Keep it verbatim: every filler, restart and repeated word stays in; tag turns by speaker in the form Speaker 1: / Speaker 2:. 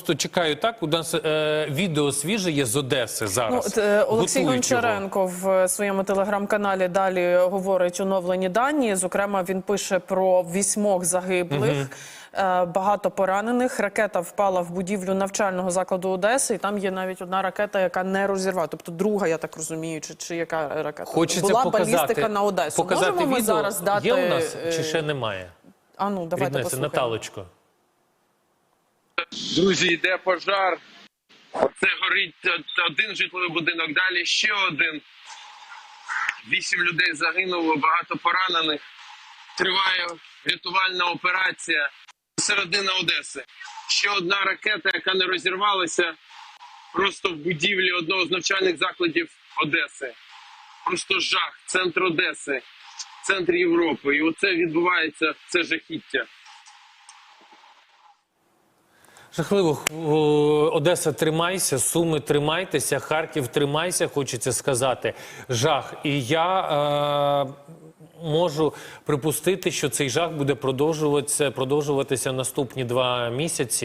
Speaker 1: просто чекаю так, у нас е, відео свіже є з Одеси зараз.
Speaker 2: Ну, от, е, Олексій
Speaker 1: Готують
Speaker 2: Гончаренко
Speaker 1: його.
Speaker 2: в своєму телеграм-каналі далі говорить оновлені дані. Зокрема, він пише про вісьмох загиблих, угу. е, багато поранених. Ракета впала в будівлю навчального закладу Одеси, і там є навіть одна ракета, яка не розірвала. Тобто друга, я так розумію, чи, чи яка ракета?
Speaker 1: Хочеться
Speaker 2: була
Speaker 1: показати,
Speaker 2: балістика на Одесу.
Speaker 1: Показати
Speaker 2: Можемо ми
Speaker 1: відео?
Speaker 2: зараз дати...
Speaker 1: Є у нас, чи ще немає?
Speaker 2: А ну, давайте
Speaker 1: Ріднеся,
Speaker 2: послухаємо.
Speaker 1: Наталочко.
Speaker 3: Друзі, йде пожар. Оце горить один житловий будинок, далі ще один. Вісім людей загинуло, багато поранених. Триває рятувальна операція. Середина Одеси. Ще одна ракета, яка не розірвалася, просто в будівлі одного з навчальних закладів Одеси. Просто жах. Центр Одеси. Центр Європи. І оце відбувається, це жахіття.
Speaker 1: Жахливо. Одеса, тримайся, Суми, тримайтеся, Харків, тримайся, хочеться сказати. Жах. І я е, можу припустити, що цей жах буде продовжуватися, продовжуватися наступні два місяці.